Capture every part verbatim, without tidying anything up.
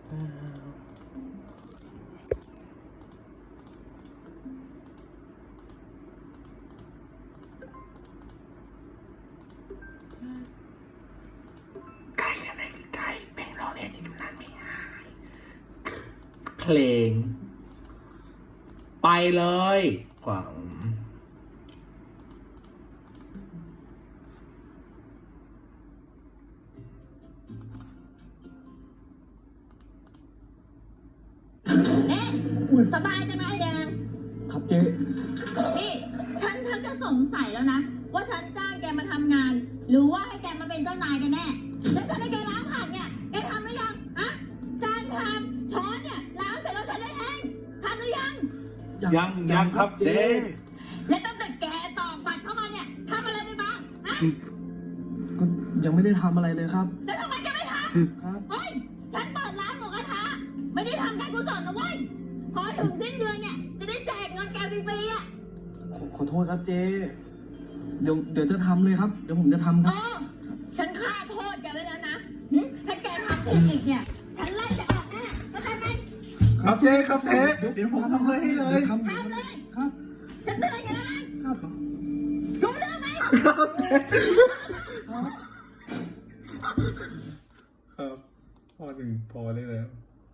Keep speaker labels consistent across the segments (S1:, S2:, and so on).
S1: ไก่อะไรคือไก่เพลงเราเล่นที่ตำนานไม่หายเพลงไปเลยกว่า
S2: เอ๊ะสบายจังนะไอ้แดง
S3: ครับเจ๊
S2: นี่ฉันฉันจะสงสัยแล้วนะว่าฉันจ้างแกมาทำงานหรือว่าให้แกมาเป็นเจ้านายกันแน่แล้วฉันให้แกล้างผักเนี่ยแกทำหรือยังอะจานชามช้อนเนี่ยล้างเสร็จแล้วฉันได้เองทำหรือยัง
S1: ยังยังครับเจ๊
S2: และตั้งแต่แกตอกบัตรเข้ามาเนี่ยทำอะไรไปบ้างอะ
S3: ก็ยังไม่ได้ทำอะไรเลยครับ
S2: แล้วทำไมแกไม่ทำครับเฮ้ยฉันเปิดร้านหมูกระทะไม่ได้ทำการกุศลนะเว้ยพอถึงสิ้นเดือนเนี่ยจะได้แจกเงินแกฟรีๆอ่ะ
S3: ขอโทษครับเจ๊เดี๋ยวเดี๋ยวจะทำเลยครับเดี๋ยวผมจะทำครับ
S2: ฉันฆ่าโทษแกไว้แล้วนะถ้าแกทำผิดอีกเนี่ยฉันไล่จะออกแน่เข้าใจไหม
S1: ครับเจ๊ครับเจ๊เดี๋ยวผมทำเลยให้เลย
S2: ทำเลย
S3: ครับ
S2: ฉันเตือนแกแล้วนะครับรู้เรื่องไหม
S1: ครับเจ๊ครับพอหนึ่งพอได้แล้ว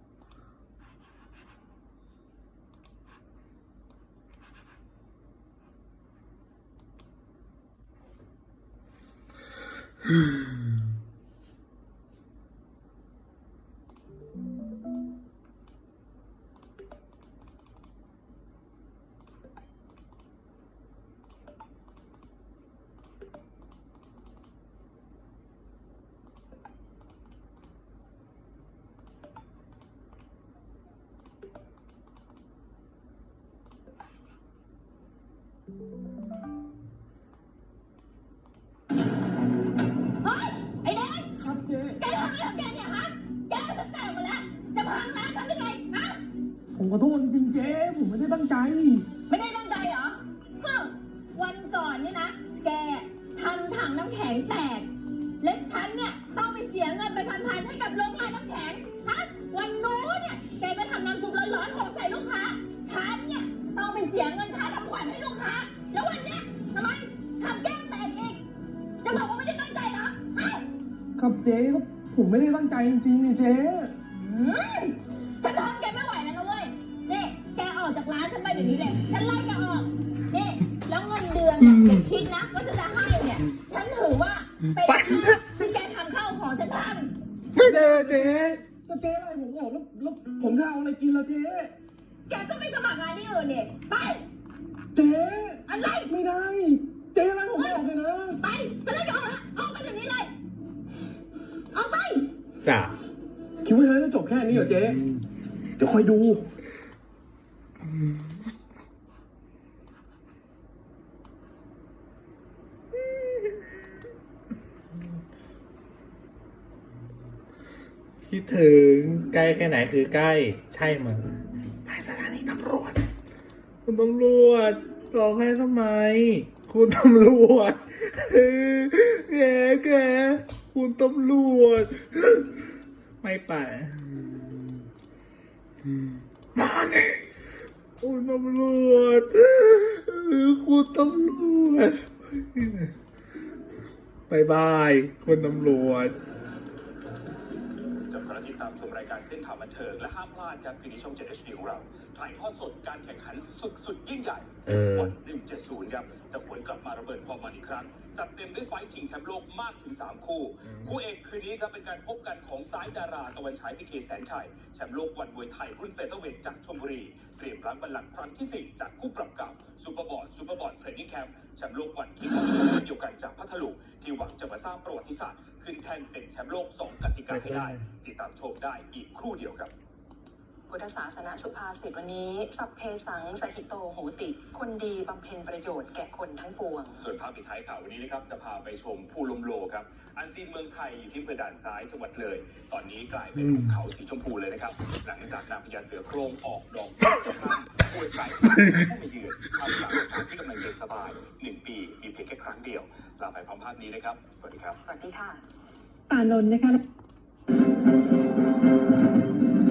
S2: เฮ้ยไอ้แดง
S3: ครับเจ๊
S2: แกทำอะไรของแกเนี่ยฮะแกฉันแตกหมดแล้วจะพังร้านฉันหรือไงฮะ
S3: ผมขอโทษจริงๆเจ๊ผมไม่ได้ตั้งใจ
S2: ไม่ได้ตั้งใจเหรอเฮ้ยวันก่อนนี่นะแกทำถังน้ำแข็งแตกและฉันเนี่ยต้องไปเสียเงินไปพันๆให้กับโรงงานน้ำแข็งฮะวันนู้นเนี่ยแกไปทำน้ำซุปร้อนๆหกใส่ลูกค้าฉันเนี่ยต้องไปเสียเงินค่าทำขวัญให้ลูกค้าแล้ววันเนี้ยทำไมทำแก้มแตกอีกจะบอกว่าไม่ได้ตั้งใจเหรอ
S3: ครับเจ๊ครับผมไม่ได้ตั้งใจจริงๆนี่เจ๊
S2: ฉันทนแกไม่ไหวแล้วนะเว้ยนี่แกออกจากร้านฉันไปเดี๋ยวนี้เลยฉันไล่แกออกนี่แล้วเงินเดือนเนี่ยอย่าคิดนะว่าฉันจะให้เนี่ยฉันถือว่าเป็นค่าที่แกทำข้าวของฉันทำ
S1: ไม่ได้เจ๊
S3: ก็เจ๊อะไรผมบอกแล้วแล้วผมจะเอาอะไรกินล่ะเจ๊
S2: แกก็ไม่สมัครงานที่อื่นเนี่ยไป
S3: เจ๊
S2: อะไร
S3: ไม่ได้เจ๊อะไรผมไม่ออกเลยนะ
S2: ไปไปเลยออกนะออกไปเดี๋ยวนี้เลยออกไป
S1: จ้ะ
S3: คิดว่าจะจบแค่นี้เหรอเจ๊เดี๋ยวคอยดู
S1: คิดถึงใกล้แค่ไหนคือใกล้ใช่มั้ยไปสถานีตำรวจคุณตำรวจร้องไห้ทำไมคุณตำรวจแกแกคุณตำรวจไม่ไปมาเนี่ยคุณตำรวจคุณตำรวจบายบายคุณตำรวจ
S4: ติดตามชมรายการเส้นทางบันเทิงและห้ามพลาดครับคืนนี้ช่อง เจ็ด เอช ดี ของเราถ่ายทอดสดการแข่งขันสุดสุดยิ่งใหญ่ศึกวันหนึ่งเจ็ดศูนย์ครับจะหวนกลับมาระเบิดความมันอีกครั้งจัดเต็มด้วยไฟท์ชิงแชมป์โลกมากถึงสามคู่คู่เอกคืนนี้ครับเป็นการพบกันของซ้ายดาราตะวันฉายพีเคแสนชัยแชมป์โลกวันมวยไทยรุ่นเฟเธอร์เวทจากชลบุรีเตรียมรั้งบัลลังก์ครั้งที่สี่จากคู่ปรับเก่าซูเปอร์บอลซูเปอร์บอลเทรนนิ่งแคมป์แชมป์โลกวันคิกบ็อกซิ่งเดียวกันจากพัทลุงที่หวังจะมาสร้างประวัติศาสตร์ขึ้นแท่นเป็นแชมป์โลกสองกติกาให้ได้ติดตามชมได้อีกครู่เดียวครับ
S5: พุทธศาสนสุภาษิตวันนี้สัพเพสังสหิโตโหติคนดีบำเพ็ญประโยชน์แก่คนทั้งปวง
S4: ส่วนภาพปิดท้ายข่าววันนี้นะครับจะพาไปชมภูลมโลครับอันซีนเมืองไทยอยู่ที่อำเภอด่านซ้ายจังหวัดเลยตอนนี้กลายเป็นภูเขาสีชมพูเลยนะครับหลังจากนางพญาเสือโคร่งออกดอกสะพรั่งปวดสายผู้มาเยือนทำกลางอากาศที่กำลังเย็นสบายหนึ่งปีมีเพียงแค่ครั้งเดียวลาไปพร้อมภาพนี้นะครับสวัสดีครับ
S5: สวัสดีค่ะ
S2: ป่านนท์นะคะ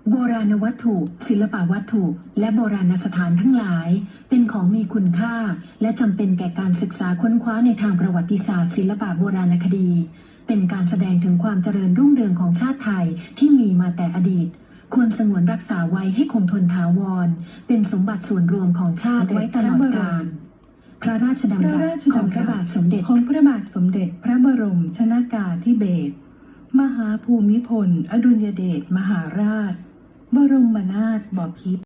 S6: โบราณวัตถุ ศิลปวัตถุ และโบราณสถานทั้งหลาย เป็นของมีคุณค่า และจำเป็นแก่การศึกษาค้นคว้าในทางประวัติศาสตร์ศิลปะโบราณคดี เป็นการแสดงถึงความเจริญรุ่งเรืองของชาติไทยที่มีมาแต่อดีต ควรสงวนรักษาไว้ให้คงทนถาวร เป็นสมบัติส่วนรวมของชาติไว้ตลอดกาล พระราชดำ
S7: พระ
S6: รั
S7: รา
S6: ส
S7: ช
S6: ของ
S7: ดำ
S6: พระ
S7: รั
S6: บา
S7: ส
S6: ทสมเด็จ
S7: ของพระบาทสมเด็จพระบรมชนากาธิเบศรมหาภูมิพลอดุลยเดชมหาราช บรมนาถบพิตร